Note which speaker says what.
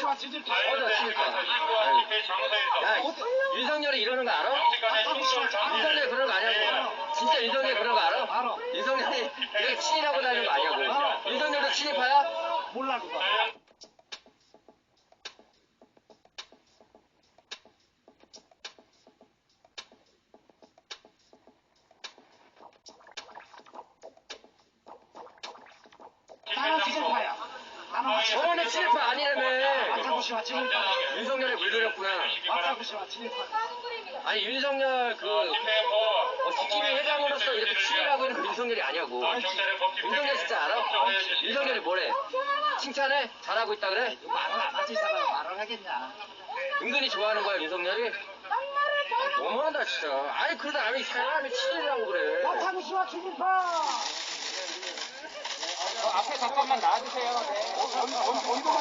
Speaker 1: 씨와 친일파.
Speaker 2: 어디 친일파? 야, 윤석열이 이러는 거 알아? 윤석열이 그런 거 아냐고. 진짜 윤석열이 그런 거 알아?
Speaker 1: 알아.
Speaker 2: 윤석열이 이렇게 친일하고 다니는 거 아냐고. 윤석열도 친일파야?
Speaker 1: 몰라 그거. 나는 친일파야.
Speaker 2: 저번에 친일파 아니라며.
Speaker 1: 박하구 씨와 친일파.
Speaker 2: 윤석열에 물들였구나.
Speaker 1: 박하구 씨와 친일파.
Speaker 2: 아니 윤석열 국힘위 회장으로서 이렇게 친일하고 있는 윤석열이 아니냐고. 윤석열 진짜 알아? 윤석열이 뭐래? 칭찬해? 잘하고 있다 그래?
Speaker 1: 말을 안 하지 이 사람 말을 하겠냐.
Speaker 2: 은근히 좋아하는 거야 윤석열이? 너무한다 진짜. 아니 그러다 아니 사람이 친일이라고 그래.
Speaker 1: 박하구 씨와 친일파.
Speaker 3: 앞에 잠깐만 나와주세요. 네.
Speaker 1: 어디로